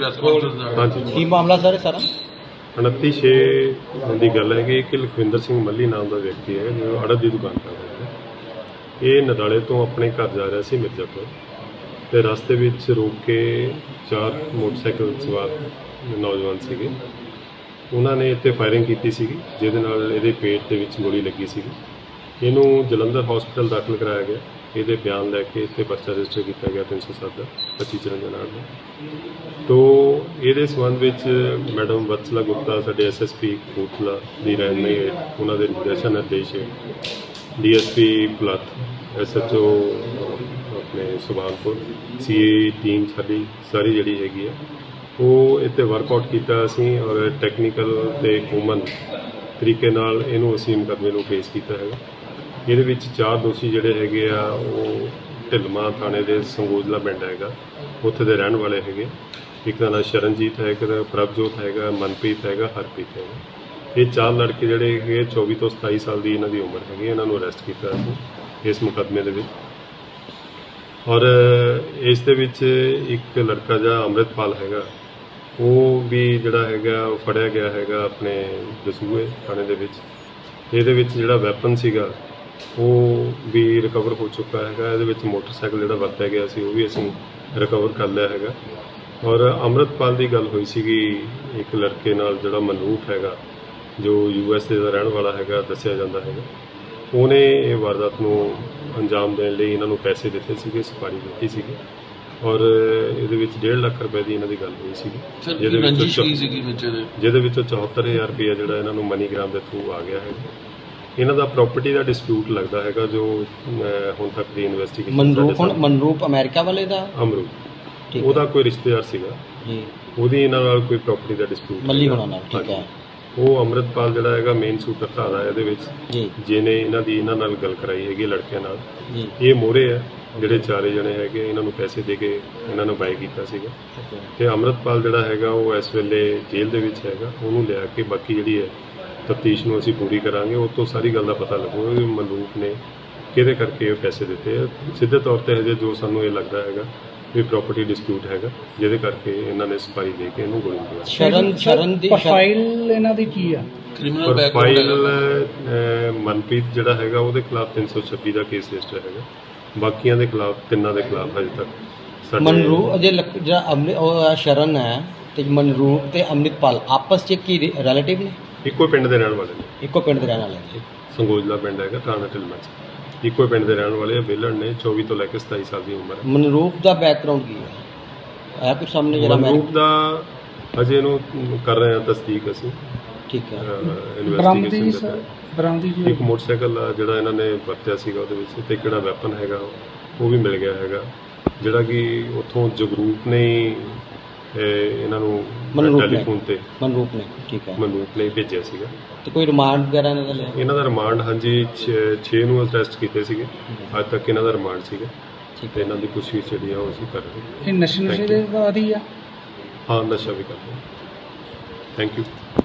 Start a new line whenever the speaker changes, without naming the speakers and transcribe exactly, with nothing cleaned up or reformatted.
Press conference
ਹਾਂਜੀ
ਕੀ ਮਾਮਲਾ sir ਸਾਰਾ?
ਉਨੱਤੀ ਛੇ ਦੀ ਗੱਲ ਹੈ ਕਿ ਲਖਵਿੰਦਰ ਸਿੰਘ ਮੱਲੀ ਨਾਮ ਦਾ ਵਿਅਕਤੀ ਹੈ ਜੋ ਅੜਦ ਦੀ ਦੁਕਾਨ ਕਰਦਾ ਹੈ। ਇਹ ਨਦਾਲੇ ਤੋਂ ਆਪਣੇ ਘਰ ਜਾ ਰਿਹਾ ਸੀ ਮਿਰਜ਼ਾਪੁਰ, ਤੇ ਰਸਤੇ ਵਿੱਚ ਰੋਕ ਕੇ ਚਾਰ ਮੋਟਰਸਾਈਕਲ ਸਵਾਰ ਨੌਜਵਾਨ ਸੀਗੇ, ਉਹਨਾਂ ਨੇ ਇੱਥੇ ਫਾਇਰਿੰਗ ਕੀਤੀ ਸੀਗੀ, ਜਿਹਦੇ ਨਾਲ ਇਹਦੇ ਪੇਟ ਦੇ ਵਿੱਚ ਗੋਲੀ ਲੱਗੀ ਸੀਗੀ। ਇਹਨੂੰ ਜਲੰਧਰ ਹਸਪੀਟਲ ਦਾਖਲ ਕਰਾਇਆ ਗਿਆ। ਇਹਦੇ ਬਿਆਨ ਲੈ ਕੇ ਇੱਥੇ ਪਰਚਾ ਰਜਿਸਟਰ ਕੀਤਾ ਗਿਆ ਤਿੰਨ ਸੌ ਸੱਤ ਦਾ ਪੱਚੀ ਚਰਨਜਾ ਨਾਲ ਦਾ। ਤੋ ਇਹਦੇ ਸੰਬੰਧ ਵਿੱਚ ਮੈਡਮ ਵਤਸਲਾ ਗੁਪਤਾ ਸਾਡੇ ਐਸ ਐਸ ਪੀ ਕਪੂਰਥਲਾ ਦੀ ਰਹਿਨੁਮਾਈ ਹੇਠ, ਉਹਨਾਂ ਦੇ ਨਿਰਦੇਸ਼ਾਂ ਨਿਰਦੇਸ਼ D S P Bhulath, S H O ਆਪਣੇ ਸੁਭਾਨਪੁਰ, ਸੀ ਏ ਟੀਮ ਸਾਡੀ ਸਾਰੀ ਜਿਹੜੀ ਹੈਗੀ ਆ ਉਹ ਇੱਥੇ ਵਰਕਆਊਟ ਕੀਤਾ ਅਸੀਂ, ਔਰ ਟੈਕਨੀਕਲ ਅਤੇ ਹਿਊਮਨ ਤਰੀਕੇ ਨਾਲ ਇਹਨੂੰ ਅਸੀਂ ਮੁਕੱਦਮੇ ਨੂੰ ਪੇਸ਼ ਕੀਤਾ ਹੈਗਾ। ਇਹਦੇ ਵਿੱਚ ਚਾਰ ਦੋਸ਼ੀ ਜਿਹੜੇ ਹੈਗੇ ਆ ਉਹ ਢਿਲਮਾ ਥਾਣੇ ਦੇ ਸੰਗੋਜਲਾ ਪਿੰਡ ਹੈਗਾ, ਉੱਥੇ ਦੇ ਰਹਿਣ ਵਾਲੇ ਹੈਗੇ। ਇੱਕ ਦਾ ਨਾਂ ਸ਼ਰਨਜੀਤ ਹੈ, ਇੱਕ ਦਾ ਪ੍ਰਭਜੋਤ ਹੈਗਾ, ਮਨਪ੍ਰੀਤ ਹੈਗਾ, ਹਰਪ੍ਰੀਤ ਹੈਗਾ। ਇਹ ਚਾਰ ਲੜਕੇ ਜਿਹੜੇ ਹੈਗੇ ਚੌਵੀ ਤੋਂ ਸਤਾਈ ਸਾਲ ਦੀ ਇਹਨਾਂ ਦੀ ਉਮਰ ਹੈਗੀ। ਇਹਨਾਂ ਨੂੰ ਅਰੈਸਟ ਕੀਤਾ ਅਸੀਂ ਇਸ ਮੁਕੱਦਮੇ ਦੇ ਵਿੱਚ। ਔਰ ਇਸ ਦੇ ਵਿੱਚ ਇੱਕ ਲੜਕਾ ਜਿਹੜਾ ਅੰਮ੍ਰਿਤਪਾਲ ਹੈਗਾ, ਉਹ ਵੀ ਜਿਹੜਾ ਹੈਗਾ ਉਹ ਫੜਿਆ ਗਿਆ ਹੈਗਾ ਆਪਣੇ ਦਸੂਹੇ ਥਾਣੇ ਦੇ ਵਿੱਚ। ਇਹਦੇ ਵਿੱਚ ਜਿਹੜਾ ਵੈਪਨ ਸੀਗਾ ਉਹ ਵੀ ਰਿਕਵਰ ਹੋ ਚੁੱਕਾ ਹੈਗਾ। ਇਹਦੇ ਵਿੱਚ ਮੋਟਰਸਾਈਕਲ ਜਿਹੜਾ ਵਰਤਿਆ ਗਿਆ ਸੀ ਉਹ ਵੀ ਅਸੀਂ ਰਿਕਵਰ ਕਰ ਲਿਆ ਹੈਗਾ। ਔਰ ਅੰਮ੍ਰਿਤਪਾਲ ਦੀ ਗੱਲ ਹੋਈ ਸੀਗੀ ਇੱਕ ਲੜਕੇ ਨਾਲ ਜਿਹੜਾ ਮਨਰੂਪ ਹੈਗਾ, ਜੋ ਯੂ ਐਸ ਏ ਦਾ ਰਹਿਣ ਵਾਲਾ ਹੈਗਾ ਦੱਸਿਆ ਜਾਂਦਾ ਹੈਗਾ। ਉਹਨੇ ਇਹ ਵਾਰਦਾਤ ਨੂੰ ਅੰਜਾਮ ਦੇਣ ਲਈ ਇਹਨਾਂ ਨੂੰ ਪੈਸੇ ਦਿੱਤੇ ਸੀਗੇ, ਸੁਪਾਰੀ ਦਿੱਤੀ ਸੀਗੀ, ਔਰ ਇਹਦੇ ਵਿੱਚ ਡੇਢ ਲੱਖ ਰੁਪਏ ਦੀ ਇਹਨਾਂ ਦੀ ਗੱਲ ਹੋਈ ਸੀਗੀ, ਜਿਹਦੇ ਵਿੱਚ ਜਿਹਦੇ ਵਿੱਚੋਂ ਚੌਹੱਤਰ ਹਜ਼ਾਰ ਰੁਪਇਆ ਜਿਹੜਾ ਇਹਨਾਂ ਨੂੰ ਮਨੀਗ੍ਰਾਮ ਦੇ ਥਰੂ ਆ ਗਿਆ ਹੈ। ਇਹਨਾਂ ਦਾ ਪ੍ਰਾਪਰਟੀ ਦਾ ਡਿਸਪਿਊਟ ਲੱਗਦਾ ਹੈਗਾ, ਜੋ ਹੁਣ ਤੱਕ ਦੀ ਇਨਵੈਸਟੀਗੇਸ਼ਨ।
ਮਨਰੂਪ ਹੁਣ ਮਨਰੂਪ ਅਮਰੀਕਾ ਵਾਲੇ ਦਾ
ਅਮਰੂਪ ਉਹਦਾ ਕੋਈ ਰਿਸ਼ਤੇਦਾਰ ਸੀਗਾ ਜੀ, ਉਹਦੀ ਇਹਨਾਂ ਨਾਲ ਕੋਈ ਪ੍ਰਾਪਰਟੀ ਦਾ ਡਿਸਪਿਊਟ
ਮੱਲੀ ਹੋਣਾ ਨਾਲ। ਠੀਕ ਹੈ।
ਉਹ ਅੰਮ੍ਰਿਤਪਾਲ ਜਿਹੜਾ ਹੈਗਾ ਮੇਨ ਸੂਤਰਧਾਰ ਹੈ ਇਹਦੇ ਵਿੱਚ, ਜਿਹਨੇ ਇਹਨਾਂ ਦੀ ਇਹਨਾਂ ਨਾਲ ਗੱਲ ਕਰਾਈ ਹੈਗੀ ਲੜਕਿਆਂ ਨਾਲ। ਇਹ ਮੋਹਰੇ ਹੈ ਜਿਹੜੇ ਚਾਰੇ ਜਣੇ ਹੈਗੇ, ਇਹਨਾਂ ਨੂੰ ਪੈਸੇ ਦੇ ਕੇ ਇਹਨਾਂ ਨੂੰ ਬਾਈ ਕੀਤਾ ਸੀਗਾ। ਤੇ ਅੰਮ੍ਰਿਤਪਾਲ ਜਿਹੜਾ ਹੈਗਾ ਉਹ ਇਸ ਵੇਲੇ ਜੇਲ੍ਹ ਦੇ ਵਿੱਚ ਹੈਗਾ। ਉਹਨੂੰ ਲਿਆ ਕੇ ਬਾਕੀ ਜਿਹੜੀ ਹੈ ਤਫਤੀਸ਼ ਨੂੰ ਅਸੀਂ ਪੂਰੀ ਕਰਾਂਗੇ। ਉਹ ਤੋਂ ਸਾਰੀ ਗੱਲ ਦਾ ਪਤਾ ਲੱਗੂਗਾ ਕਿ ਮਨਰੂਪ ਨੇ ਕਿਹਦੇ ਕਰਕੇ ਇਹ ਪੈਸੇ ਦਿੱਤੇ ਆ। ਸਿੱਧੇ ਤੌਰ 'ਤੇ ਹਜੇ ਜੋ ਸਾਨੂੰ ਇਹ ਲੱਗਦਾ ਹੈਗਾ ਵੀ ਪ੍ਰਾਪਰਟੀ ਡਿਸਪਿਊਟ ਹੈਗਾ, ਜਿਹਦੇ ਕਰਕੇ ਇਹਨਾਂ ਨੇ ਸਪਾਈ ਦੇ ਕੇ ਇਹਨੂੰ ਗੋਲੀ ਮਾਰੀ।
ਸ਼ਰਨ ਸ਼ਰਨ ਦੀ
ਪ੍ਰੋਫਾਈਲ ਇਹਨਾਂ ਦੀ ਕੀ ਆ?
ਕ੍ਰਿਮੀਨਲ
ਪ੍ਰੋਫਾਈਲ ਮਨਪ੍ਰੀਤ ਜਿਹੜਾ ਹੈਗਾ ਉਹਦੇ ਖਿਲਾਫ ਤਿੰਨ ਸੌ ਛੱਬੀ ਦਾ ਕੇਸ ਰਜਿਸਟਰ ਹੈਗਾ। ਬਾਕੀਆਂ ਦੇ ਖਿਲਾਫ, ਤਿੰਨਾਂ ਦੇ ਖਿਲਾਫ ਹਜੇ ਤੱਕ।
ਮਨਰੂਪ ਜੇ ਜਿਹੜਾ ਅੰਮ੍ਰਿਤ ਉਹ ਸ਼ਰਨ ਹੈ ਤੇ ਮਨਰੂਪ ਤੇ ਅੰਮ੍ਰਿਤਪਾਲ ਆਪਸ 'ਚ ਕੀ ਰਿਲੇਟਿਵ ਨੇ?
ਇੱਕੋ ਪਿੰਡ ਦੇ ਰਹਿਣ ਵਾਲੇ ਨੇ।
ਇੱਕੋ ਪਿੰਡ ਦੇ ਰਹਿਣ ਵਾਲੇ ਨੇ।
ਸੰਗੋਜਲਾ ਪਿੰਡ ਹੈਗਾ, ਥਾਣਾ ਢਿਲਮਾ 'ਚ। ਇੱਕੋ ਪਿੰਡ ਦੇ ਰਹਿਣ ਵਾਲੇ ਆ, ਵਿਹਲੜ ਨੇ, ਚੌਵੀ ਤੋਂ ਲੈ ਕੇ ਸਤਾਈ ਸਾਲ ਦੀ ਉਮਰ ਹੈ।
ਮਨਰੂਪ ਦਾ ਬੈਕਗ੍ਰਾਉਂਡ ਕੀ ਹੈ? ਹੈ ਕੁਝ ਸਾਹਮਣੇ ਜਿਹੜਾ
ਮਨਰੂਪ ਦਾ ਅਜੇ ਇਹਨੂੰ ਕਰ ਰਹੇ ਹਾਂ ਤਸਦੀਕ ਅਸੀਂ।
ਠੀਕ ਹੈ।
ਇਨਵੈਸਟੀਗੇਸ਼ਨ
ਬਰਾਮਦੀ ਜੀ
ਇੱਕ ਮੋਟਰਸਾਈਕਲ ਜਿਹੜਾ ਇਹਨਾਂ ਨੇ ਵਰਤਿਆ ਸੀਗਾ ਉਹਦੇ ਵਿੱਚ, ਤੇ ਕਿਹੜਾ ਵੈਪਨ ਹੈਗਾ ਉਹ ਵੀ ਮਿਲ ਗਿਆ ਹੈਗਾ, ਜਿਹੜਾ ਕਿ ਉੱਥੋਂ ਜਗਰੂਪ ਨੇ ਇਹਨਾਂ ਨੂੰ ਟੈਲੀਫੋਨ ਤੇ
ਮਨਰੂਪ ਨੇ ਠੀਕ ਹੈ
ਮਨਰੂਪ ਨੇ ਭੇਜਿਆ ਸੀਗਾ।
ਤੇ ਕੋਈ ਰਿਮਾਂਡ ਵਗੈਰਾ ਇਹਨਾਂ ਦਾ ਲਿਆ? ਇਹਨਾਂ
ਦਾ ਰਿਮਾਂਡ ਹਾਂਜੀ ਛੇ ਨੂੰ ਅਰੈਸਟ ਕੀਤੇ ਸੀਗੇ। ਅੱਜ ਤੱਕ ਇਹਨਾਂ ਦਾ ਰਿਮਾਂਡ ਸੀਗਾ। ਠੀਕ ਹੈ। ਇਹਨਾਂ ਦੀ ਪੁੱਛਗਿੱਛ ਜਿਹੜੀ ਆ ਉਹ ਅਸੀਂ ਕਰ ਰਹੇ ਹਾਂ।
ਇਹ ਨਸ਼ੇ ਨਸ਼ੇ ਦੇ ਆਦੀ ਆ?
ਹਾਂ, ਨਸ਼ਾ ਵੀ ਕਰਦੇ। Thank you.